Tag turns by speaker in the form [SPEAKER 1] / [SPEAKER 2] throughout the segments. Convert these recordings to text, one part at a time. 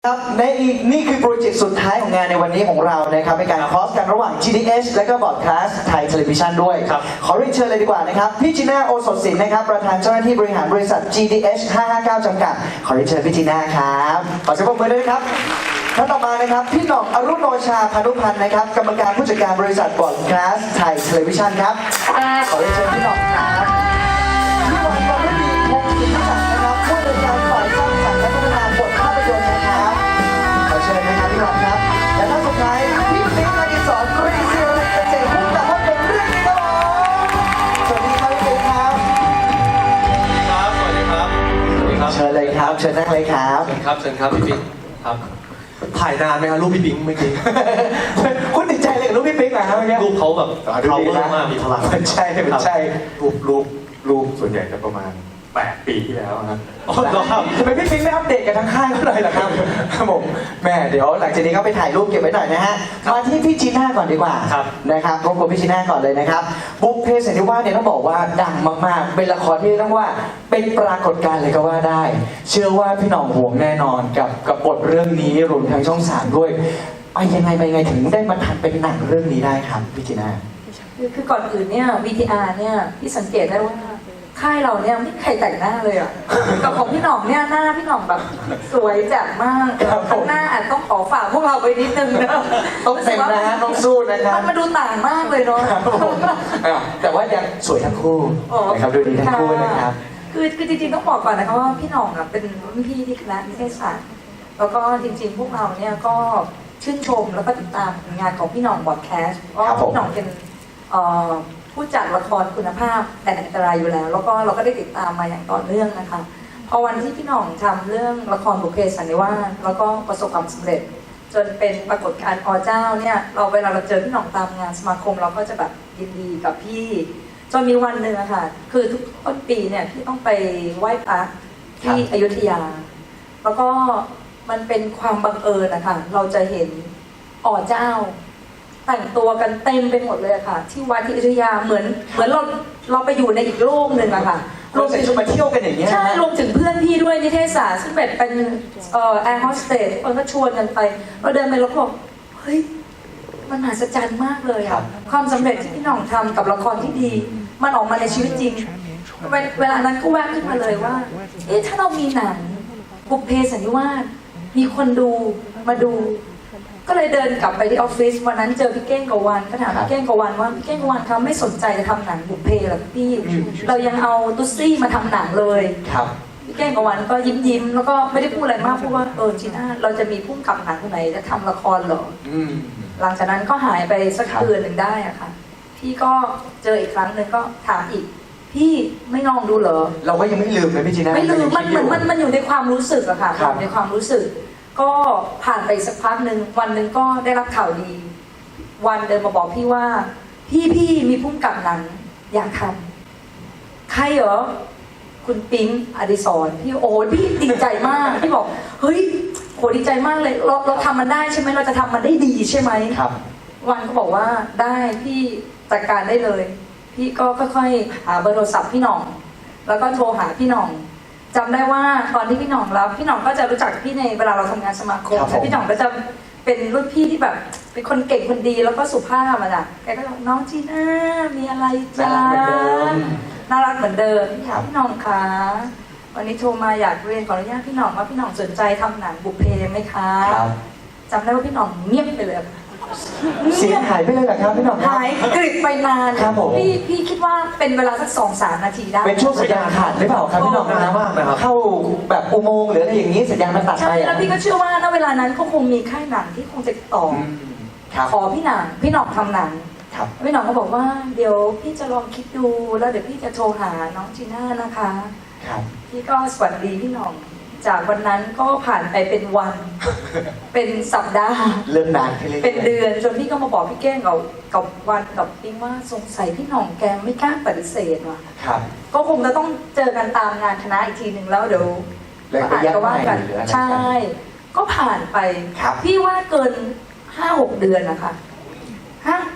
[SPEAKER 1] ครับนี่คือโปรเจกต์สุดท้ายของงานในวันนี้ของเรานะครับเป็นการคอสกันระหว่าง GDS และก็บอร์ดคาสต์ไทยเทเลวิชันด้วยขอเรียนเชิญเลยดีกว่านะครับพี่จีน่าโอสถศิลป์นะครับประธานเจ้าหน้าที่บริหารบริษัท GDS 559 จำกัดขอเรียนเชิญพี่จีน่าครับขอเสียงปรบมือด้วยครับท่านต่อมานะครับพี่หน่องอรุณโนชาพานุพันธ์นะครับกรรมการผู้จัดการบริษัทบอร์ดคาสต์ไทยเทเลวิชันครับขอเรียนเชิญพี่หน่องครับพี่วันวรรณดีพงศ์สินศักดิ์นะครับผู้จัดการฝ่ายสร้างสรรค์และพัฒนาบทภาพยนตร์นะครับขอเชิญนะครับพี่หน่องครับและท่านสุดท้ายพี่ปิ๊กอดิศรกรีศิริเกษตรผู้กำกับภาพยนตร์เรื่องนี้ครับสวัสดีครับพี่ปิ๊กครับ
[SPEAKER 2] สวัสดีครับ
[SPEAKER 1] เชิญเลยครับเชิญนั่งเลยครับ
[SPEAKER 2] เชิญครับพี่ปิ๊กครับถ่ายนานไหมครับรูปพี่ปิ๊กเมื่อกี้
[SPEAKER 1] คุณติดใจเลยกับรูปพี่ปิ๊กเหรอครับเมื่อกี้
[SPEAKER 2] รูปเขาแบบเขาเวอร์มากมีพลัง
[SPEAKER 1] ใช่
[SPEAKER 3] รูปส่วนใหญ่จะประมาณ8 ปีที่แล้วครับ
[SPEAKER 1] ทำไมพี่ปิ๊กไม่อัปเดตกันทั้งค่ายเขาเลยล่ะครับครับผมแม่เดี๋ยวหลังจากนี้ก็ไปถ่ายรูปเก็บไว้หน่อยนะฮะมาที่พี่จีน่าก่อนดีกว่านะครับรบกวนพี่จีน่าก่อนเลยนะครับบุพเพสันนิวาสเนี่ยต้องบอกว่าดังมากๆเป็นละครที่ต้องว่าเป็นปรากฏการณ์เลยก็ว่าได้เชื่อว่าพี่หน่องห่วงแน่นอนกับบทเรื่องนี้รวมทั้งช่อง3ด้วยไปยังไงถึงได้มาทำเป็นหนังเรื่องนี้ได้ครับพี่จีน่า
[SPEAKER 4] คือก่อนอื่นเนี่ย VTR เนี่ยพี่สังเกตได้ว่าค่ายเราเนี่ยไม่ใครแต่งหน้าเลยอ่ะกับของพี่หน่องเนี่ยหน้าพี่หน่องแบบสวยแจ่มมากข้างหน้าอาจต้องขอฝากพวกเราไปนิดนึงนะ
[SPEAKER 1] ต้องเต็มนะต้องสู้นะครับ
[SPEAKER 4] มันมาดูต่างมากเลยเนาะ
[SPEAKER 1] แต่ว่ายังสวยทั้งคู่นะครับดูดีทั้งคู่นะครับ
[SPEAKER 4] คือจริงๆต้องบอกก่อนนะคะว่าพี่หน่องอ่ะเป็นรุ่นพี่ที่คณะนิเทศศาสตร์แล้วก็จริงๆพวกเราเนี่ยก็ชื่นชมแล้วก็ติดตามงานของพี่หน่องบอดแคสต์เพราะพี่หน่องเป็นผู้จัดละครคุณภาพแต่อันตรายอยู่แล้วแล้วก็เราก็ได้ติดตามมาอย่างต่อเนื่องนะคะพอวันที่พี่หน่องทำเรื่องละครบุพเพสันนิวาสแล้วก็ประสบความสำเร็จจนเป็นปรากฏการณ์อเจ้าเนี่ยเวลาเราเจอพี่หน่องตามงานสมาคมเราก็จะแบบยินดีกับพี่จนมีวันหนึ่งอะค่ะคือทุกต้นปีเนี่ยพี่ต้องไปไหว้พระที่อยุธยาแล้วก็มันเป็นความบังเอิญนะคะเราจะเห็นเจ้าแต่งตัวกันเต็มไปหมดเลยค่ะที่วัดที่อยุธยาเหมือนเราไปอยู่ในอีกโลกหนึ่งอะค่ะ
[SPEAKER 1] รวมถึงมาเที่ยวกันอย่างเงี้ย
[SPEAKER 4] ใช่รวมถึงเพื่อนพี่ด้วยนิเทศศาสตร์ซึ่งเป็นแอร์โฮสเตสคนก็ชวนกันไปเราเดินไปแล้วก็บอกเฮ้ยมันมหัศจรรย์มากเลยอะความสำเร็จที่พี่หน่องทำกับละครที่ดีมันออกมาในชีวิตจริงเวลานั้นก็แวบขึ้นมาเลยว่าถ้าเรามีหนังบุพเพสันนิวาสมีคนดูมาดูก็เลยเดินกลับไปที่ออฟฟิศวันนั้นเจอพี่เก้งกวันก็ถามพี่เก้งกวันว่าพี่เก้งกวันเขาไม่สนใจจะทำหนังบุพเพหรอพี่เรายังเอาตุ๊ซี่มาทำหนังเลยพี่เก้งกวันก็ยิ้มแล้วก็ไม่ได้พูดอะไรมากพูดว่าจีน่าเราจะมีผู้กำกับหนังคนไหนจะทำละครเหรอหลังจากนั้นก็หายไปสักเดือนหนึ่งได้อะค่ะพี่ก็เจออีกครั้งหนึ่งก็ถามอีกพี่ไม่ลองดูเหรอ
[SPEAKER 1] เราก็ยังไม่ลืมเลยพี่จีน่า
[SPEAKER 4] ไม่ลืมมันอยู่ในความรู้สึกอะค่ะในความรู้สึกก็ผ่านไปสักพักหนึ่งวันหนึ่งก็ได้รับข่าวดีวันเดินมาบอกพี่ว่าพี่มีผู้กำกับหนังอยากทำใครเหรอคุณปิ๊งอดิศรพี่พี่ดีใจมากพี่บอกเฮ้ยโหดีใจมากเลยเราทำมันได้ใช่ไหมเราจะทำมันได้ดีใช่ไหม
[SPEAKER 1] ครับ
[SPEAKER 4] วันก็บอกว่าได้พี่จัดการได้เลยพี่ก็ค่อยๆหาเบอร์โทรศัพท์พี่หน่องแล้วก็โทรหาพี่หน่องจำได้ว่าตอนที่พี่หน่องรับพี่หน่องก็จะรู้จักพี่ในเวลาเราทำงานสมาคมแล้วพี่หน่องก็จะเป็นรุ่นพี่ที่แบบเป็นคนเก่งคนดีแล้วก็สุภาพอะจ้ะแกก็บอกน้องจีน่ามีอะไรจ้าน่ารักเหมือนเดิมพี่หน่องคะวันนี้โทรมาอยากเรียนขออนุญาตพี่หน่องว่าพี่หน่องสนใจทำหนังบุพเพไหมคะจำได้ว่าพี่หน่องเงียบไปเลย
[SPEAKER 1] เสียงหายไปเลยเหรอครับพี่หน่อง
[SPEAKER 4] หายกริบไปนาน
[SPEAKER 1] ครับผม
[SPEAKER 4] พี่คิดว่าเป็นเวลาสัก 2-3 นาทีได้
[SPEAKER 1] เป็นช่วงสัญญาณขาดหรือเปล่าครับพี่หน่องนานมากนะครับเข้าแบบอุโมงค์หรืออะไรอย่างนี้สัญญาณมันตัดไป
[SPEAKER 4] ใช่แล้วพี่ก็เชื่อว่าณเวลานั้นก็คงมีค่ายหนังที่คงจะต่อขอพี่หน่องทำหนังพี่หน่องก็บอกว่าเดี๋ยวพี่จะลองคิดดูแล้วเดี๋ยวพี่จะโทรหาน้องจีน่านะคะพี่ก็สวัสดีพี่หน่องจากวันนั้นก็ผ่านไปเป็นวันเป็นสัปดาห์
[SPEAKER 1] เริ่มนาน
[SPEAKER 4] เป็นเดือนจนพี่ก็มาบอกพี่แก้งกับวันกับปิ๊งว่าสงสัยพี่หน่องแกไม่กล้าปฏิเสธว่ะก็คงจะต้องเจอกันตามงานคณะอีกทีหนึ่งแล้วเดี๋ยว
[SPEAKER 1] อาจจะ
[SPEAKER 4] ว่ากันใช่ก็ผ่านไปพี่ว่าเกิน 5-6 เดือนนะคะ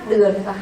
[SPEAKER 4] เดือนนะคะ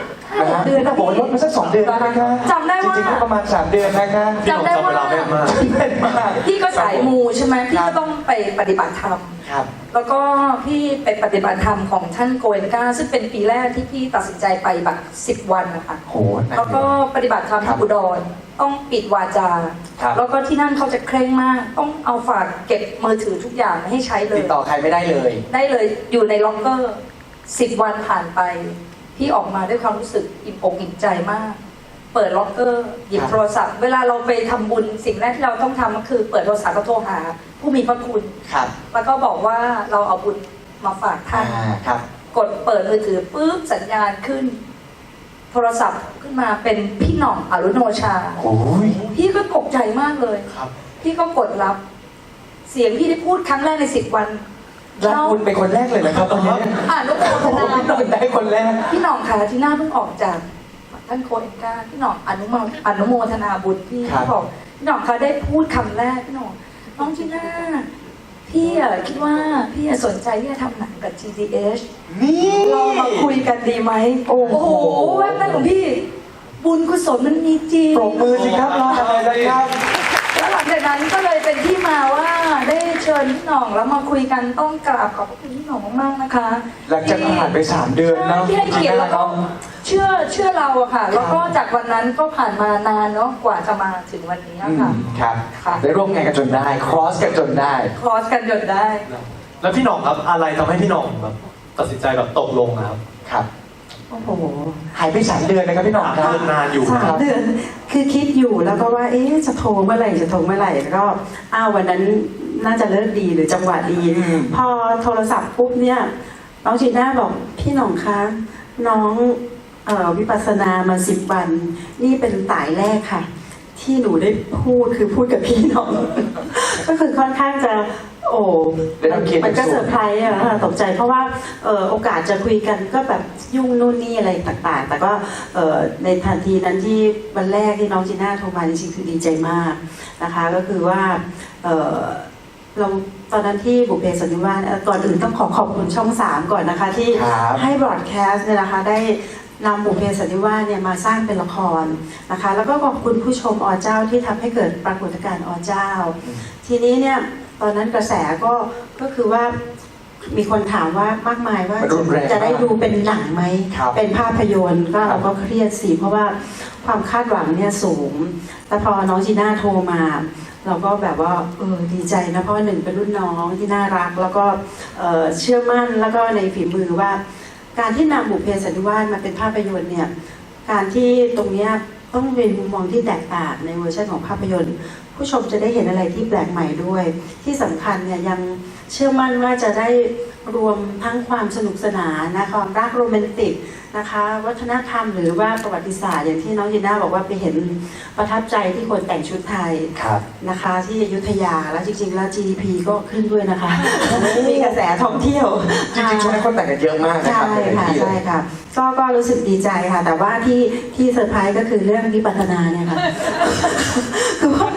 [SPEAKER 4] 3-5 เดือน
[SPEAKER 1] นะผมลดมาสัก2 เดือนแล้วนะคะ
[SPEAKER 4] จำได้ว่า
[SPEAKER 1] จริงๆก็ประมาณ3 เดือนนะคะ
[SPEAKER 2] พี่หน่องจำเวลาแม่นมาก
[SPEAKER 1] เป็นมาก
[SPEAKER 4] พี่ก็สายมูใช่ไหมพี่ก็ต้องไปปฏิบัติธรรม
[SPEAKER 1] ครับ
[SPEAKER 4] แล้วก็พี่ไปปฏิบัติธรรมของท่านโกเอนกาซึ่งเป็นปีแรกที่พี่ตัดสินใจไปแบบ10 วันนะคะ
[SPEAKER 1] โหหนั
[SPEAKER 4] แล้วก็ปฏิบัติธรรม
[SPEAKER 1] ครั
[SPEAKER 4] ที่
[SPEAKER 1] บ
[SPEAKER 4] อุดรต้องปิดวาจา
[SPEAKER 1] ครับ
[SPEAKER 4] แล้วก็ที่นั่นเขาจะเคร่งมาก ต้องเอาฝากเก็บมือถือทุกอย่างไม่ให้ใช้เล
[SPEAKER 1] ติ
[SPEAKER 4] ย
[SPEAKER 1] ดต่อใครไม่ได้เลย
[SPEAKER 4] ได้เลยอยู่ในล็อกเกอร์10 วันผ่านไป พี่ออกมาด้วยความรู้สึกอิ่มอกอิ่มใจมาก เปิดล็อกเกอร์หยิบ
[SPEAKER 1] ครับ
[SPEAKER 4] โทรศัพท์ เวลาเราไปทำบุญสิ่งแรกที่เราต้องทำก็คือเปิดโทรศัพท์แล้วโทรหา ผู้มีพระคุณ
[SPEAKER 1] ครับ
[SPEAKER 4] แล้วก็บอกว่าเราเอาบุญมาฝากท่าน
[SPEAKER 1] ครับ
[SPEAKER 4] กดเปิดมือถือปุ๊บสัญญาณขึ้น โทรศัพท์ขึ้นมาเป็นพี่หน่องอรุโนชา
[SPEAKER 1] โอ้ย
[SPEAKER 4] พี่ก็ตกใจมากเลย
[SPEAKER 1] ครับ
[SPEAKER 4] พี่ก็กดรับ เสียงพี่ได้พูดครั้งแรกใน10 วัน
[SPEAKER 1] รับคุณเป็นคนแรกเลยนะครับวันนี้
[SPEAKER 4] อ่านโมทนา
[SPEAKER 1] พี่หน่อยได้คนแรก
[SPEAKER 4] พี่หน่องค่ะที่หน้าเพิ่งออกจากท่านโคเอนกาพี่หน่องอนุโมทนาบุญพี่
[SPEAKER 1] ครับ
[SPEAKER 4] บอกพี่หน่องคะได้พูดคำแรกพี่หน่องน้องจีน่าพี่อะคิดว่าพี่อะสนใจที่จะทำหนังกับ GDH
[SPEAKER 1] นี่
[SPEAKER 4] เรามาคุยกันดีไหมโอ้โหแวบแรกของพี่ บุญกุศลมันมีจริง
[SPEAKER 1] ปรบมือสิครับรออะไรนะครับ
[SPEAKER 4] แล้วหลังจากนั้นก็เลยเป็นที่มาว่าได้เชิญพี่หน่องแล้วมาคุยกันต้องกราบขอบพระคุณพี่หน่องมากๆนะคะ
[SPEAKER 1] หลังจากผ่านไป3 เดือนเนาะ
[SPEAKER 4] ที่ให้เกียรติแล้วก็เชื่อเราอะค่ะ แล้วก็จากวันนั้นก็ผ่านมานานเนาะกว่าจะมาถึงวันนี้อะค่ะ
[SPEAKER 1] ครับ
[SPEAKER 4] ค่ะ
[SPEAKER 1] ได้ร่วมงานกันจนได้ ครอสกันจนได้
[SPEAKER 4] คอร์สกันจนได้
[SPEAKER 2] แล้วพี่หน่องครับอะไรทำให้พี่หน่องแบบตัดสินใจแบบตกลงนะครับ
[SPEAKER 1] ครับ
[SPEAKER 5] โอ้โห
[SPEAKER 1] หายไป3 เดือนนะครับพี่หน่องครับ
[SPEAKER 2] เริ่มนานอยู่
[SPEAKER 5] สามเดือนคือคิดอยู่แล้วก็ว่า เอ๊ะจะโทรเมื่อไหร่จะโทรเมื่อไหร่แล้วก็วันนั้นน่าจะเลิกดีหรือจังหวะดี
[SPEAKER 1] อืม
[SPEAKER 5] พอโทรศัพท์ปุ๊บเนี่ยน้องจีน่าบอกพี่หน่องคะน้องวิปัสสนามา10 วัน นี่เป็นสายแรกค่ะ ที่หนูได้พูดคือพูดกับพี่หน่อง ก็คือค่อนข้างจะ โอ้
[SPEAKER 1] ได้รับเกียรติ
[SPEAKER 5] มันก็เซอร์ไพรส์อะค่ะตกใจเพราะว่าโอกาสจะคุยกันก็แบบยุ่งนู่นนี่อะไรต่างๆ แต่ก็ในทันทีนั้นที่วันแรกที่น้องจีน่าโทรมาจริงๆคือดีใจมากนะคะก็คือว่าเราตอนนั้นที่บุพเพสันนิวาสก่อนอื่นต้องขอบคุณช่อง 3 ก่อนนะคะ ที่
[SPEAKER 1] ครับ
[SPEAKER 5] ให้บรอดแคสต์เนี่ยนะคะได้นำบุพเพสันนิวาสเนี่ยมาสร้างเป็นละครนะคะ แล้วก็ขอบคุณผู้ชมอเจ้าที่ทำให้เกิดปรากฏการณ์อเจ้า ทีนี้เนี่ยตอนนั้นกระแสก็คือว่ามีคนถามว่ามากมายว่า
[SPEAKER 1] มันรุนแรง
[SPEAKER 5] จะได้ดูเป็นหนังไหม
[SPEAKER 1] ครับ
[SPEAKER 5] เป็นภาพยนตร์ก็
[SPEAKER 1] ครับ
[SPEAKER 5] เราก็เครียดสิเพราะว่าความคาดหวังเนี่ยสูงแต่พอน้องจีน่าโทรมา เราก็แบบว่าดีใจนะเพราะว่าหนึ่งเป็นรุ่นน้องที่น่ารัก แล้วก็เชื่อมั่นแล้วก็ในฝีมือว่า การที่นำบุพเพสันนิวาสมาเป็นภาพยนตร์เนี่ยการที่ตรงเนี้ยต้องเป็นมุมมองที่แตกต่างในเวอร์ชันของภาพยนตร์ ผู้ชมจะได้เห็นอะไรที่แปลกใหม่ด้วย ที่สำคัญเนี่ยยังเชื่อมั่นว่าจะได้รวมทั้งความสนุกสนานนะความรักโรแมนติกนะคะวัฒนธรรมหรือว่าประวัติศาสตร์อย่างที่น้องยีน่าบอกว่าไปเห็นประทับใจที่คนแต่งชุดไทย
[SPEAKER 1] ครับ
[SPEAKER 5] นะคะที่อยุธยาแล้วจริงๆแล้ว GDP ก็ขึ้นด้วยนะคะ มีกระแสท่องเที่ยว
[SPEAKER 1] จริงๆช่วงนี้คนแต่งกันเยอะมากนะครับ
[SPEAKER 5] ใช่ค่ะ
[SPEAKER 1] ในที่เล
[SPEAKER 5] ใช่
[SPEAKER 1] ย
[SPEAKER 5] ค่ะก็รู้สึกดีใจค่ะ แต่ว่าที่เซอร์ไพรส์ก็คือเรื่องวิปัสสนาเนี่ยค่ะ คือว่า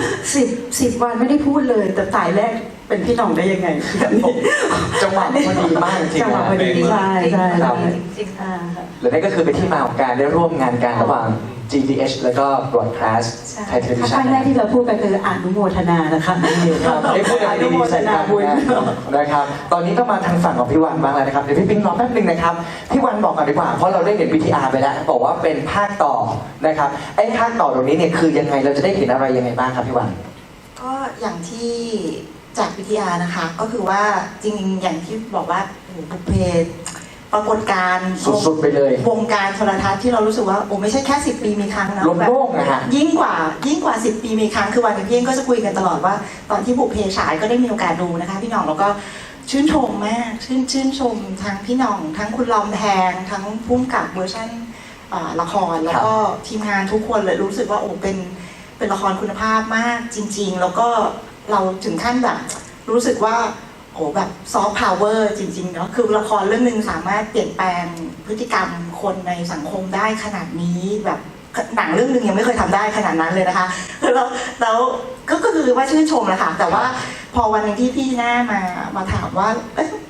[SPEAKER 5] 10 วันไม่ได้พูดเลย แต่สายแรกเป็นพี่หน่องได้ยังไงแบบนี้
[SPEAKER 1] จังหวะพอดีมากจริงๆ
[SPEAKER 5] จังหวะพอดี
[SPEAKER 1] นะ
[SPEAKER 5] ใช่ใช่
[SPEAKER 1] ครั
[SPEAKER 5] ใช่
[SPEAKER 1] บ
[SPEAKER 4] จริงๆ
[SPEAKER 5] อ่า
[SPEAKER 1] และนั่นก็คือเป็นที่มาของการได้ร่วมงานกันระหว่าง GDH แล้วก็ Broadcast ไทย Television
[SPEAKER 5] ครั้งแรกที่เราพูดไปคืออนุโมทนานะคะ
[SPEAKER 1] นี่ครับได้พูดอะไร
[SPEAKER 5] อนุโม
[SPEAKER 1] ดีๆ
[SPEAKER 5] ท
[SPEAKER 1] ใส่
[SPEAKER 5] นา
[SPEAKER 1] กัน
[SPEAKER 5] บุญ
[SPEAKER 1] นะครับ ตอนนี้ก็มาทางฝั่งของพี่วันบ้างแล้วนะครับ เดี๋ยวพี่ปิ๊งรอแป๊บนึงนะครับ พี่วันบอกก่อนดีกว่า เพราะเราได้เห็น VTR ไปแล้ว บอกว่าเป็นภาคต่อนะครับ ไอ้ภาคต่อตรงนี้เนี่ยคือยังไง เราจะได้เห็นอะไรยังไงบ้างครับพี่วัน
[SPEAKER 6] ก็อย่างที่จากวิทยานะคะ ก็คือว่าจริงๆอย่างที่บอกว่าโอ้โหบุพเพปรากฏการณ์
[SPEAKER 1] สุดๆไปเลย
[SPEAKER 6] วงการโทรทัศน์ที่เรารู้สึกว่าโอ้ไม่ใช่แค่10 ปีมีครั้งนะ
[SPEAKER 1] ล้มโลกนะฮะ
[SPEAKER 6] ยิ่งกว่า10 ปีมีครั้งคือวันกับพี่เองก็จะคุยกันตลอดว่า ตอนที่บุพเพฉายก็ได้มีโอกาสดูนะคะพี่หน่องแล้วก็ชื่นชมมากชื่นชมทั้งพี่หน่อง ทั้งคุณลอมแพงทั้งพุ่มกับเวอร์ชันละครแล้วก็ทีมงานทุกคนเลยรู้สึกว่าโอ้เป็นละครคุณภาพมากจริง ๆ แล้วก็เราถึงขั้นแบบรู้สึกว่าโอ้แบบซอฟต์พาวเวอร์จริงๆเนาะคือละครเรื่องหนึ่งสามารถเปลี่ยนแปลงพฤติกรรมคนในสังคมได้ขนาดนี้แบบหนังเรื่องหนึ่งยังไม่เคยทำได้ขนาดนั้นเลยนะคะแล้วก็คือว่าชื่นชมแหละค่ะแต่ว่าพอวันหนึงที่พี่หน้ามาถามว่าเอ๊ะ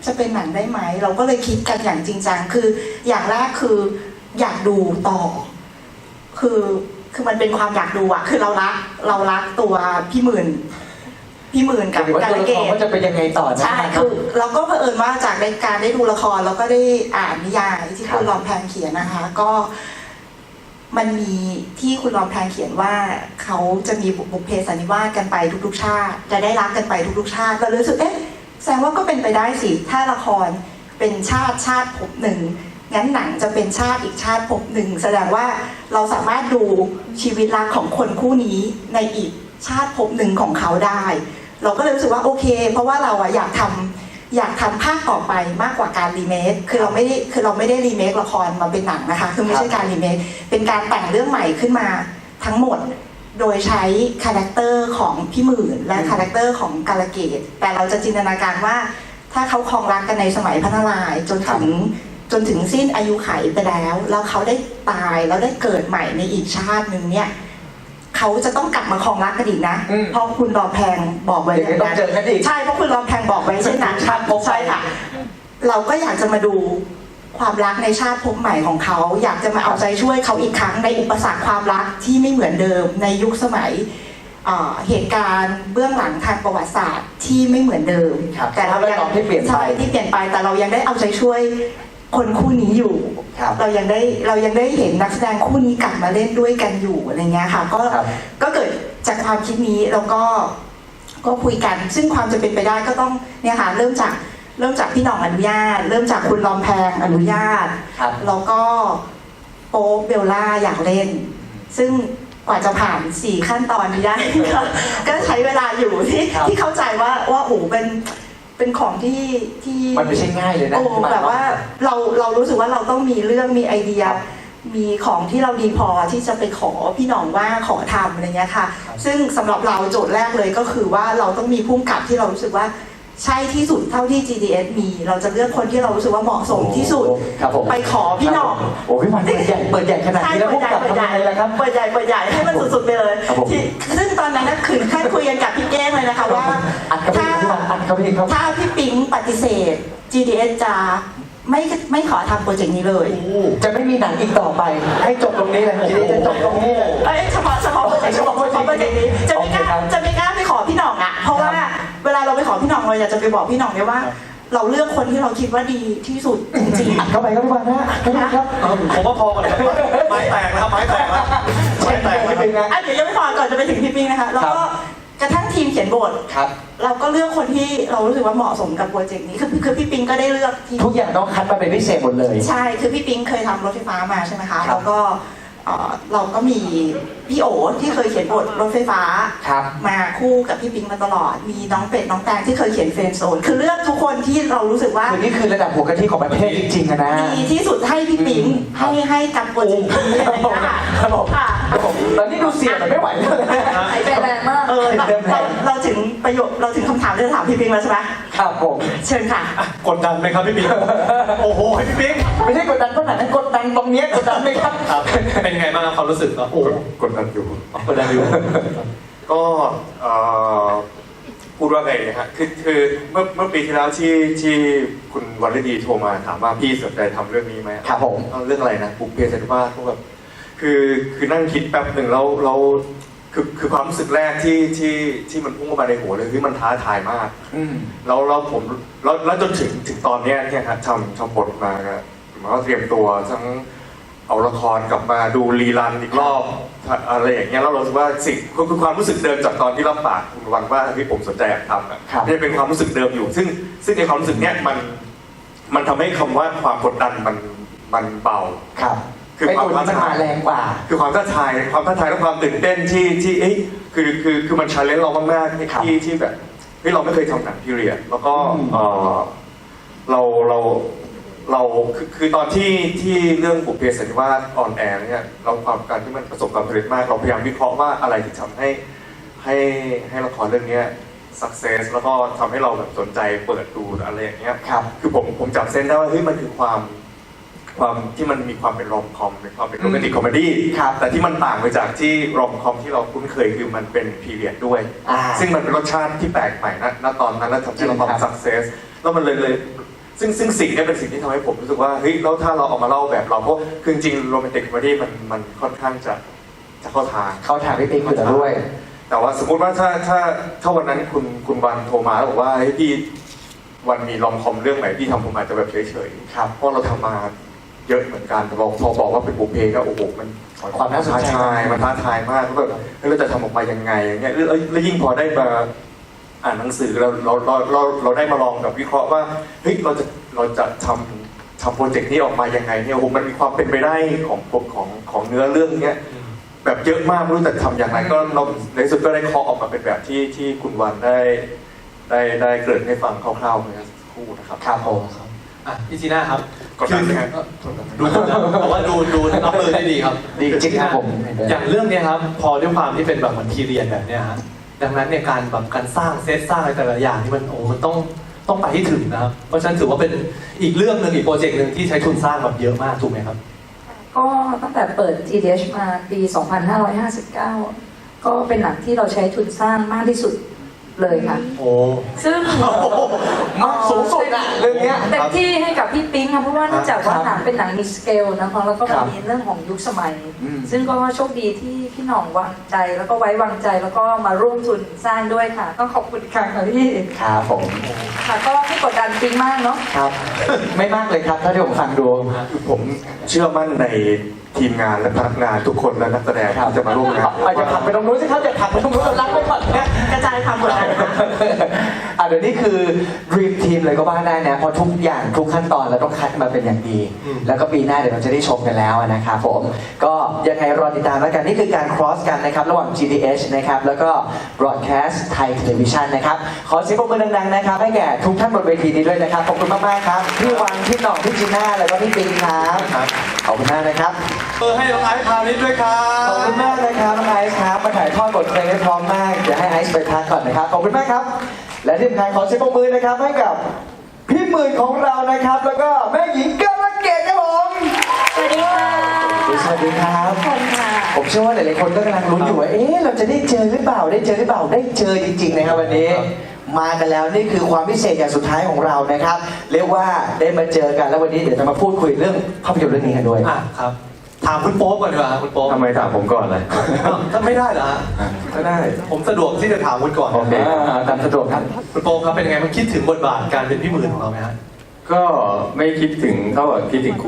[SPEAKER 6] จะเป็นหนังได้ไหมเราก็เลยคิดกันอย่างจริงจังคืออย่างแรกคืออยากดูต่อคือมันเป็นความอยากดูอะคือเรารักตัวพี่หมื่นกับ
[SPEAKER 1] หรือว่า
[SPEAKER 6] การ
[SPEAKER 1] ตัวละ
[SPEAKER 6] เก
[SPEAKER 1] คร
[SPEAKER 6] ต
[SPEAKER 1] ว่าจะเป็นยังไงต่อนะ
[SPEAKER 6] ใช่
[SPEAKER 1] ครับ
[SPEAKER 6] คือเราก็เผอิญว่าจากในการได้ดูละครแล้วก็ได้อ่านนิยายที่
[SPEAKER 1] ครับ
[SPEAKER 6] คุณรอมแพงเขียนนะคะ ก็มันมีที่คุณรอมแพงเขียนว่าเขาจะมีบุพเพสันนิวาสกันไปทุกๆชาติจะได้รักกันไปทุกๆชาติเราเลยรู้สึกแสดงว่าก็เป็นไปได้สิถ้าละครเป็นชาติภพหนึ่งงั้นหนังจะเป็นชาติอีกชาติภพหนึ่งแสดงว่าเราสามารถดูชีวิตรักของคนคู่นี้ในอีกชาติภพหนึ่งของเขาได้ เราก็เลยรู้สึกว่าโอเค เพราะว่าเราอยากทำภาคต่อไปมากกว่าการรีเมคคือเราไม่ได้รีเมคละครมาเป็นหนังนะคะคือไม่ใช่การรีเมคเป็นการแต่งเรื่องใหม่ขึ้นมาทั้งหมด โดยใช้คาแรคเตอร์ของพี่หมื่นและคาแรคเตอร์ของกาลเกตแต่เราจะจินตนาการว่าถ้าเขาครองรักกันในสมัยพระนารายณ์จนถึงสิ้นอายุไขไปแล้วเขาได้ตายแล้วได้เกิดใหม่ในอีกชาติหนึ่งเนี่ยเขาจะต้องกลับมาครองรักกันอีกนะเพราะคุณรอมแพงบอกไว้
[SPEAKER 1] เดี๋ยวต้องเจอกันอีก
[SPEAKER 6] ใช่เพราะคุณรอมแพงบอกไว้เช่นนั้น
[SPEAKER 1] ชาติภพ
[SPEAKER 6] ใช่ค่ะเราก็อยากจะมาดูความรักในชาติภพใหม่ของเขาอยากจะมาเอาใจช่วยเขาอีกครั้งในอุปสรรคความรักที่ไม่เหมือนเดิมในยุคสมัยเหตุการณ์เบื้องหลังทางประวัติศาสตร์ที่ไม่เหมือนเดิม
[SPEAKER 1] ครับ
[SPEAKER 6] แต่เรายัง
[SPEAKER 1] ที่เปลี่ยนไป
[SPEAKER 6] ใช่ที่เปลี่ยนไปแต่เรายังได้เอาใจช่วยคนคู่นี้อยู่
[SPEAKER 1] ครับ
[SPEAKER 6] เรายังได้เห็นนักแสดงคู่นี้กลับมาเล่นด้วยกันอยู่อะไรเงี้ยค่ะก็เกิดจากความคิดนี้แล้วก็คุยกันซึ่งความจะเป็นไปได้ก็ต้องเนี่ยค่ะเริ่มจากพี่หน่องอนุญาต เริ่มจากคุณรอมแพงอนุญาต
[SPEAKER 1] ครับ
[SPEAKER 6] แล้วก็โป๊ปเบลล่าอยากเล่น ซึ่งกว่าจะผ่าน4ขั้นตอนนี้ได้ ก็ใช้เวลาอยู่ที่เข้าใจว่าโอ้เป็นของที่
[SPEAKER 1] มันไม่ใช่ง่ายเลยนะ
[SPEAKER 6] โอ้แบบว่าเรารู้สึกว่าเราต้องมีเรื่องมีไอเดีย มีของที่เราดีพอที่จะไปขอพี่หน่องว่าขอทำอะไรเงี้ยค่ะซึ่งสำหรับเราโจทย์แรกเลยก็คือว่าเราต้องมีผู้กำกับที่เรารู้สึกว่าใช่ที่สุดเท่าที่ GDS มีเราจะเลือกคนที่เรารู้สึกว่าเหมาะสมที่สุด
[SPEAKER 1] ครับผม
[SPEAKER 6] ไปขอพี่หน่อง
[SPEAKER 1] โอ้พี่วันเปิดใหญ่ขนาดนี้แล้วพวกกับทำยังไงล่ะครับ
[SPEAKER 6] เปิดใหญ่ให้มันสุดๆไปเลย
[SPEAKER 1] ครับผม
[SPEAKER 6] ซึ่งตอนนั้นนะคือขั้นคุยกันกับพี่แก้งเลยนะคะว่า
[SPEAKER 1] อัดเข้าไปอีกพี่วันอัดเข้าไปอีกครับ
[SPEAKER 6] ถ้าพี่ปิ๊งปฏิเสธ GDS จะไม่ขอทำโปรเจกต์นี้เลย
[SPEAKER 1] จะไม่มีหนังอีกต่อไป ให้จบตรงนี้เลยทีนี้จะจบตรงนี้เลย
[SPEAKER 6] เฉพาะโปรเจกต์นี้จะไม่กล้าไปขอพี่หน่องอ่ะเพราะว่าเวลาเราไปขอพี่หน่องเราอยากจะไปบอกพี่หน่องเนี่ยว่า เราเลือกคนที่เราคิดว่าดีที่สุดจริง
[SPEAKER 1] อัดเข้าไปครับพี่วันนะอัดเข้าไปครับ
[SPEAKER 2] ผมว่าพอกันครับไม้แตกนะครับไม้แตกแล้วไม้แตกแล้ว
[SPEAKER 1] เป็นไง
[SPEAKER 6] เดี๋ยวยังไม่พอก่อนจะไปถึงพี่ปิ๊งนะคะแล้วก็กระทั่งทีมเขียนบท
[SPEAKER 1] ครับ
[SPEAKER 6] เราก็เลือกคนที่เรารู้สึกว่าเหมาะสมกับโปรเจกต์นี้คือพี่ปิ๊งก็ได้เลือกทีม
[SPEAKER 1] ทุกอย่างต้องคัดมาเป็นพิเศษหมดเลย
[SPEAKER 6] ใช่ คือพี่ปิ๊งเคยทำรถไฟฟ้ามาใช่ไหมคะ
[SPEAKER 1] ครับ
[SPEAKER 6] แล้วก็เราก็มีพี่โอที่เคยเขียนบทรถไฟฟ้า
[SPEAKER 1] ครับ
[SPEAKER 6] มาคู่กับพี่ปิ๊งมาตลอด มีน้องเป็ดน้องแตงที่เคยเขียนเฟรนด์โซน คือเลือกทุกคนที่เรารู้สึกว่า
[SPEAKER 1] คือนี่คือระดับหัวกะทิของประเทศจริงๆอะนะ
[SPEAKER 6] ดีที่สุดให้พี่ปิ๊งให้กับโปรเจกต์นี้อะไรอย่างเงี้ยค่ะ
[SPEAKER 1] ครับผม
[SPEAKER 6] ค่ะ
[SPEAKER 1] ครับผมตอนนี้ดูเสียงมันไม่ไหวเลยนะ
[SPEAKER 4] หายใจแรงมาก
[SPEAKER 6] เราถึงคำถามที่จะถามพี่ปิ๊งแล้วใช่ไหม
[SPEAKER 1] ครับผม
[SPEAKER 6] เชิญค่ะ
[SPEAKER 2] กดดันไหมครับพี่ปิ๊งโอ้โหพี่ปิ๊ง
[SPEAKER 1] ไม่ใช่กดดันขนาดนั้นกดดันตรงเนี้ยกดดันไหมครับ
[SPEAKER 2] ครับเป็นไงบ้างครับความรู้สึกครับโอ้
[SPEAKER 3] กดดันอยู่
[SPEAKER 2] กดดันอยู่
[SPEAKER 3] ก็พูดว่าไงนะฮะคือเมื่อปีที่แล้วที่คุณวรรดีโทรมาถามว่าพี่สนใจทำเรื่องนี้ไหม
[SPEAKER 1] ครับผม
[SPEAKER 3] เรื่องอะไรนะบุพเพสันนิวาสก็แบบคือนั่งคิดแป๊บหนึ่งแล้วคือความรู้สึกแรกที่มันพุ่งเข้ามาในหัวเลยคือมันท้าทายมาก
[SPEAKER 1] อืม
[SPEAKER 3] แล้วจนถึงตอนเนี้ยเนี่ยครับทำบทมาก็หมายว่าเตรียมตัวทั้งเอาละครกลับมาดูรีรันอีกรอบอะไรอย่างเงี้ยแล้วเราคิดว่าสิ่งคือความรู้สึกเดิมจากตอนที่รับปากคุณวันว่าที่ผมสนใจอยากทำอ่ะ
[SPEAKER 1] ครับ
[SPEAKER 3] เนี่ยเป็นความรู้สึกเดิมอยู่ ซึ่งในความรู้สึกเนี้ยมันทำให้คำว่าความกดดันมันเบา
[SPEAKER 1] ครับ
[SPEAKER 3] คือ
[SPEAKER 1] ไอ้
[SPEAKER 3] ความ
[SPEAKER 1] ตัวนี้มันมาแรงกว่า
[SPEAKER 3] คือความท้าทายและความตื่นเต้นที่เอ้ยคือมันชาเลนจ์เรามากๆ
[SPEAKER 1] ครับ
[SPEAKER 3] ที่แบบเฮ้ยเราไม่เคยทำหนังพีเรียดแล้วก็
[SPEAKER 1] อืม
[SPEAKER 3] เราคือตอนที่เรื่องบุพเพสันนิวาสออนแอร์เนี่ยเราความการที่มันประสบความสำเร็จมากเราพยายามวิเคราะห์ว่าอะไรที่ทำให้ละครเรื่องนี้ success แล้วก็ทำให้เราแบบสนใจเปิดดูอะไรอย่างเงี้ย
[SPEAKER 1] ครับ
[SPEAKER 3] คือผมจับเส้นได้ว่าเฮ้ยมันคือความที่มันมีความเป็นรอมคอมเป็นความเป็นโรแมนติกคอมเมดี้
[SPEAKER 1] ครับ
[SPEAKER 3] แต่ที่มันต่างไปจากที่รอมคอมที่เราคุ้นเคยคือมันเป็นพีเรียดด้วย
[SPEAKER 1] อ่า
[SPEAKER 3] ซึ่งมันเป็นรสชาติที่แปลกใหม่ณตอนนั้นแล้วทำให้เราความ
[SPEAKER 1] จริงครับ
[SPEAKER 3] success แล้วมันเลยซึ่งสิ่งเนี้เป็นสิ่งที่ทำให้ผมรู้สึกว่าเฮ้ยแล้วถ้าเราเอามาเล่าแบบเราเพราะคือจริงโรแมนติกคอมเมดี้มันค่อนข้างจะเข้าทาง
[SPEAKER 1] เขาถามพี่ปิ๊กอยู่แล้วด้วย
[SPEAKER 3] แต่ว่าสมมุติว่าถ้าวันนั้นคุณวันโทรมาแล้วบอกว่าเฮ้ยพี่วันมีลอมคอมเรื่องไหนที่ทำผมอาจจะแบบเฉยๆครับเพราะเราทำมาเยอะเหมือนกันแต่พอบอกว่าเป็นบุพเพก็โอ้โหมัน
[SPEAKER 1] ความน่าสนใจ
[SPEAKER 3] ท้าทายมันท้าทายมากแล้วแบบเฮ้ยเราจะทำออกมายังไงอย่างเงี้ยแล้วยิ่งพอได้มาอ่านหนังสือเราได้มาลองแบบวิเคราะห์ว่าเฮ้ยเราจะทำโปรเจกต์นี้ออกมายังไงเนี่ยโอ้โหมันมีความเป็นไปได้ของเนื้อเรื่องเนี้ยแบบเยอะมากไม่รู้จะทำอย่างไรก็เราในที่สุดก็ได้เคาะออกมาเป็นแบบที่คุณวันได้เกริ่นให้ฟังคร่าวๆเมื่อสักครู่นะครับ
[SPEAKER 1] ครับผม
[SPEAKER 2] อ่ะพี่จีน่าครับ
[SPEAKER 3] กดดันไหมครับ
[SPEAKER 2] ดูแต่ว่าดูรับมือได้ดีครับ
[SPEAKER 1] ดีจริงครับผม
[SPEAKER 2] อย่างเรื่องเนี้ยครับพอด้วยความที่เป็นแบบเหมือนพีเรียนแบบเนี้ยฮะดังนั้นเนี่ยการสร้างเซตสร้างอะไรแต่ละอย่างนี่มันมันต้องไปให้ถึงนะครับเพราะฉะนั้นถือว่าเป็นอีกเรื่องหนึ่งอีกโปรเจกต์หนึ่งที่ใช้ทุนสร้างแบบเยอะมากถูกไหมครับ
[SPEAKER 4] ก็ตั้งแต่เปิด GDH มาปี 2559 ก็เป็นหนังที่เราใช้ทุนสร้างมากที่สุดเลยค่ะ
[SPEAKER 2] โอ้
[SPEAKER 4] ซึ่ง
[SPEAKER 1] มากสูงสุดอะเรื่องเนี้ย
[SPEAKER 4] เต็มที่ให้กับพี่ปิ๊งค่ะเพราะว่าเนื่องจากว่าหนังเป็นหนังมีสเกลนะคะแล้วก็
[SPEAKER 1] ครับ
[SPEAKER 4] มีเรื่องของยุคสมัย
[SPEAKER 1] อืม
[SPEAKER 4] ซึ่งก็โชคดีที่พี่หน่องวางใจแล้วก็ไว้วางใจแล้วก็มาร่วมทุนสร้างด้วยค่ะ ต้องขอบคุณอีกครั้งค่ะพี่
[SPEAKER 1] ครับผม
[SPEAKER 4] ค่ะก็ไม่กดดันปิ๊งมากเนาะ
[SPEAKER 1] ครับ ไม่มากเลยครับถ้าที่ผมฟังดู
[SPEAKER 3] ผมเชื่อมั่นในทีมงานและพนักงานทุกคนและนักแสดงที่จะมาร่วมงาน
[SPEAKER 1] อาจจะผลักไปตรงนู้นสิครับอย่าผลักไปตรงนู้นรักไปก่อนนะ
[SPEAKER 6] กระจายความกดดันค่ะ
[SPEAKER 1] เดี๋ยวนี้คือ Dream Team เลยก็ว่าได้นะเพราะทุกอย่างทุกขั้นตอนเราต้องคัดมาเป็นอย่างดี แล้วก็ปีหน้าเดี๋ยวเราจะได้ชมกันแล้วนะครับผมก็ยังไงรอติดตามแล้วกันนี่คือการ cross กันนะครับระหว่าง GDH นะครับแล้วก็ Broadcast Thai Television นะครับขอเสียงปรบมือดังๆนะครับให้แก่ทุกท่านบนเวทีนี้ด้วยนะครับขอบคุณมากๆครับพี่วังพี่หน่องพี่จีน่าแล้วก็พี่ปิงครับขอบคุณมากนะครับ
[SPEAKER 2] ให้น้องไอซ์พาณิชย์ด้วยครั
[SPEAKER 1] ขอบคุณมากนะครับน้องไอซ์ครับมาถ่ายทอดบทเพลงได้พร้อมมากเดี๋ยวให้ไอซ์ไปพักก่อนนะครับขอบคุณมากครับ และที่สำคัญขอเสียงปรบมือนะครับให้กับพี่หมื่นของเรานะครับ แล้วก็แม่หญิงกรเกตครับผม
[SPEAKER 5] สวัสดีค่ะ
[SPEAKER 1] สวัสดีครับ
[SPEAKER 5] ทุกคนค่ะ
[SPEAKER 1] ผมเชื่อว่าหลายๆคนก็กำลังลุ้นอยู่ว่าเอ๊ะเราจะได้เจอหรือเปล่าได้เจอหรือเปล่าได้เจอจริงๆนะครับวันนี้ มากันแล้วนี่คือความพิเศษอย่างสุดท้ายของเรานะครับ เรียกว่าได้มาเจอกันแล้ววันนี้เดี๋ยวจะมาพูดคุยเรื่องภาพยนตร์เรื่องนี้กันด้วย
[SPEAKER 2] อ่ะครับถามคุณโป๊ปก่อนดีกว่าครับคุณโป๊ป
[SPEAKER 3] ทำไมถามผมก่อนเลย
[SPEAKER 2] ถ้าไม่ได้เหรอฮะ
[SPEAKER 3] ก็ได้
[SPEAKER 2] ผมสะดวกที่จะถามคุณก่อน
[SPEAKER 3] โอเค
[SPEAKER 1] ตามสะดวกครับ
[SPEAKER 2] คุณโป๊ปครับเป็นยังไงมันคิดถึงบทบาทการเป็นพี่หมื่นของเราไหมฮะ
[SPEAKER 7] ก็ไม่คิดถึงเท่ากับคิดถึงคุณ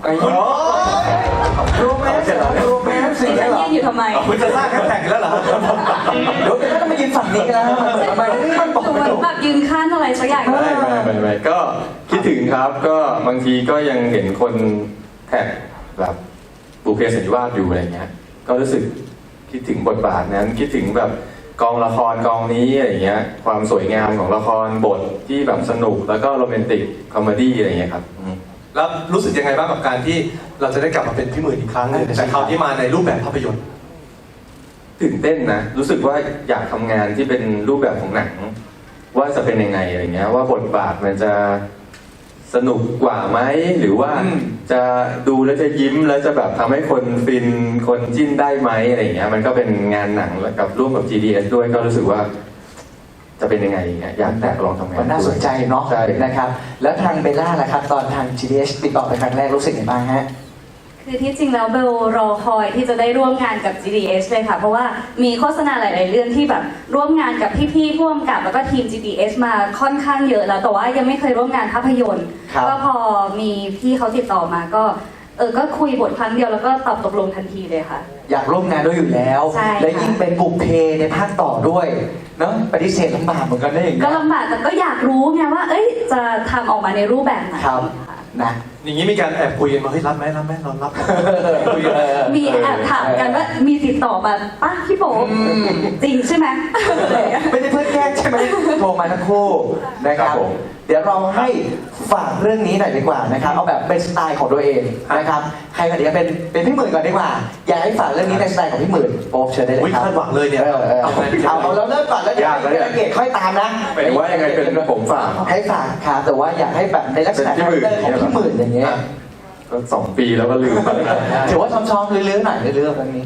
[SPEAKER 1] รู้ไหมรู้ไหมสิ่งนี้เหรอ
[SPEAKER 5] ยืนอยู่ทำไม
[SPEAKER 2] คุณจะสร้างแฮชแท็กอีกแล้วเหรอ
[SPEAKER 1] เดี๋ยวก็ต้องมายืนฝั่งนี้กันแล้วมันบอก
[SPEAKER 5] ดูเห
[SPEAKER 1] ไม่
[SPEAKER 5] มือน
[SPEAKER 1] ถูก
[SPEAKER 5] แบบยืนข้างอะไรสักอย่าง
[SPEAKER 7] ไม่ก็คิดถึงครับ ก็บางทีก็ยังเห็นคนแท็กแบบบุพเพสันนิวาสอยู่อะไรเงี้ย ก็รู้สึกคิดถึงบทบาทนั้น คิดถึงแบบกองละครกองนี้อะไรเงี้ย ความสวยงามของละครบทที่แบบสนุกแล้วก็โรแมนติกคอมเมดี้อะไรเงี้ยครับอืม
[SPEAKER 2] แล้วรู้สึกยังไงบ้างกับการที่เราจะได้กลับมาเป็นพี่หมื่นอีกครั้งหนึงแต่คราวที่มาในรูปแบบภาพยนตร์
[SPEAKER 7] ตื่นเต้นนะ รู้สึกว่าอยากทำงานที่เป็นรูปแบบของหนัง ว่าจะเป็นยังไงอะไรเงี้ย ว่าบทบาทมันจะสนุกกว่าไหมหรือว่าจะดูแล้วจะยิ้มแล้วจะแบบทำให้คนฟินคนจิ้นได้ไหมอะไรเงี้ย มันก็เป็นงานหนังแล้วกับร่วมกับ GDS ด้วยก็รู้สึกว่า จะเป็นยังไงเงี้ยอยากแตกลองทำงาน
[SPEAKER 1] มันน่าสนใจเนาะ
[SPEAKER 7] ใช่
[SPEAKER 1] นะครับ แล้วทางเบลล่าล่ะครับ ตอนทาง GDH ติดต่อไปครั้งแรกรู้สึกยังไงบ้างฮะ
[SPEAKER 8] คือที่จริงแล้วเบลรอคอยที่จะได้ร่วมงานกับ GDS เลยค่ะ เพราะว่ามีโฆษณาหลาย ๆ เรื่องที่แบบร่วมงานกับพี่ๆผู้กำกับแล้วก็ทีม GDS มาค่อนข้างเยอะแล้วแต่ว่ายังไม่เคยร่วมงานภาพยนตร์
[SPEAKER 1] ครับ
[SPEAKER 8] ก็พอมีพี่เขาติดต่อมาก็ก็คุยบทครั้งเดียวแล้วก็ตอบตกลงทันทีเลยค่ะ
[SPEAKER 1] อยากร่วมงานด้วยอยู่แล้ว
[SPEAKER 8] ใช่ค่ะ
[SPEAKER 1] และยิ่งเป็นบุพเพในภาคต่อด้วยเนาะปฏิเสธลำบากเหมือนกันได้อย่าง
[SPEAKER 8] ก็
[SPEAKER 1] เงี้ย
[SPEAKER 8] ลำบากแต่ก็อยากรู้ไงว่า เอ้ยจะทำออกมาในรูปแบบไหน
[SPEAKER 1] ครับ
[SPEAKER 8] ค่ะ
[SPEAKER 1] นะ
[SPEAKER 2] อย่างนี้มีการแอบคุยกันมาเฮ้ยรับไหมเรารับคุยกัน
[SPEAKER 8] มีแอบถามกันว่ามีติดต่อมาป้าพี่โป๊ปจริงใช่ไหม
[SPEAKER 1] ไม่ได้เพื่อนแกล้งใช่ไหมโทรมาทั้งคู่นะครับ
[SPEAKER 7] ครับผม
[SPEAKER 1] เดี๋ยวเราให้ฝากเรื่องนี้หน่อยดีกว่านะครับเอาแบบเป็นสไตล์ของตัวเองนะครับใครก่อนดีเป็นพี่หมื่นก่อนดีกว่า อยากให้ฝากเรื่องนี้ในสไตล์ของพี่หมื่นโป๊ปเชิญได้เลย
[SPEAKER 2] อุ๊ย
[SPEAKER 1] ครับ
[SPEAKER 2] คาดหวังเลยเนี่ย
[SPEAKER 1] เอาเราเริ่มก่อนแล้วเดี๋ยวย
[SPEAKER 7] ากแล้วเนี่ย
[SPEAKER 1] เกตค่อยตามนะ
[SPEAKER 7] หมายถึงว่ายังไงเป็นผมฝาก
[SPEAKER 1] ให้ฝากครับแต่ว่าอยากให้แบบในลักษณะ
[SPEAKER 7] เป็นพี่หมื่น
[SPEAKER 1] ของพี่หมื่นอย่างเงี้ย
[SPEAKER 7] ก็2 ปีแล้วก็ลืมไปแล้ว
[SPEAKER 1] ถือว่าชอบๆเรื่อยๆหน่อยเรื่อยๆเรื่องนี้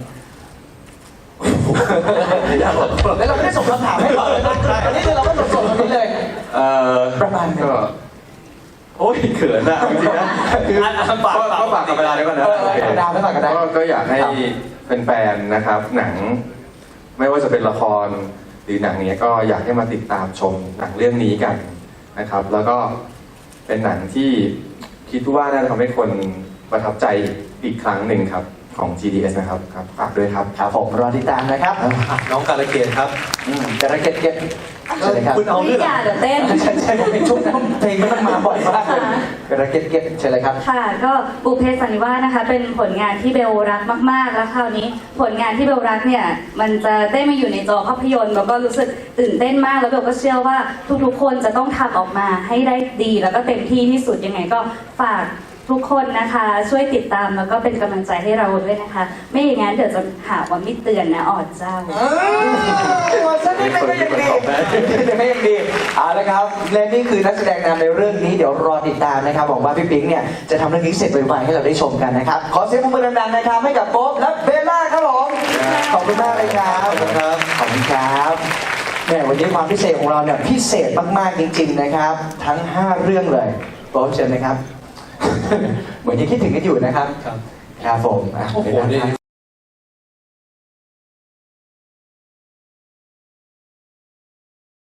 [SPEAKER 1] แล้วเราไม่ได้ส่งคำถามให้ก่อนเลยนะอันนี้คือเราก็สดๆตรงนี้เลย ประมาณ
[SPEAKER 7] ก็โอ้ยเขินอะจริงๆนะคือ
[SPEAKER 2] ฝาก
[SPEAKER 7] ก็ฝากกับเวลาด้วยก่อนนะ
[SPEAKER 1] ธรรมดาไม่ฝากกันได้
[SPEAKER 7] ก็อยากให้แฟนๆนะครับ หนังไม่ว่าจะเป็นละครหรือหนังเนี้ยก็อยากให้มาติดตามชมหนังเรื่องนี้กันนะครับ แล้วก็เป็นหนังที่คิดว่าน่าจะทำให้คนประทับใจอีกครั้งหนึ่งครับของ GDS นะครับครับฝากด้วยครับ
[SPEAKER 1] ครับผมรอติดตามนะครับ
[SPEAKER 2] น้องการะเกดครับ
[SPEAKER 1] กระเก็ดเก็บใช่เลยครับ
[SPEAKER 2] คุณเอา
[SPEAKER 8] ไม่
[SPEAKER 2] เรื่อง
[SPEAKER 8] อยากเดี๋ยวเต้น
[SPEAKER 1] ใช่ผมเป็นช่วงเพลงมันมาบ่อยมากเลยกระเก็ดเก็บใช่เลยครับ
[SPEAKER 8] ค่ะก็บุพเพสันนิวาสนะคะเป็นผลงานที่เบลรักมากๆ แล้วคราวนี้ผลงานที่เบลรักเนี่ยมันจะได้มาอยู่ในจอภาพยนตร์แล้วก็รู้สึกตื่นเต้นมากแล้วเบลก็เชื่อว่าทุกๆคนจะต้องทำออกมาให้ได้ดีแล้วก็เต็มที่ที่สุดยังไงก็ฝากทุกคนนะคะช่วยติดตามแล้วก็เป็นกำลังใจให้เราด้วยนะคะ ไม่อย่างนั้นเดี๋ยวจะหาว่าไม่เตือนนะออดเจ้า
[SPEAKER 1] วันสักนิดก็ยังดีไม่ยังดีเอาละครับและนี่คือนักแสดงนำในเรื่องนี้เดี๋ยวรอติดตามนะครับหวังว่าพี่ปิ๊งเนี่ยจะทำเรื่องนี้เสร็จไวๆให้เราได้ชมกันนะครับขอเสียงปรบมือดังๆนะครับให้กับโป๊ปและเบลล่าครับผมขอบคุณมากเลยครับขอบคุณครับขอบคุณครับแหมวันนี้ความพิเศษของเราเนี่ยพิเศษมากๆจริงๆนะครับทั้ง 5 เรื่องเลยโป๊ปเชิญนะครับ เหมือนยังคิดถึงกันอยู่นะครับ
[SPEAKER 2] ครับ
[SPEAKER 1] ครับผมอ่ะ
[SPEAKER 2] โอ้โห
[SPEAKER 1] เบลล่า
[SPEAKER 2] นี่
[SPEAKER 1] ครับ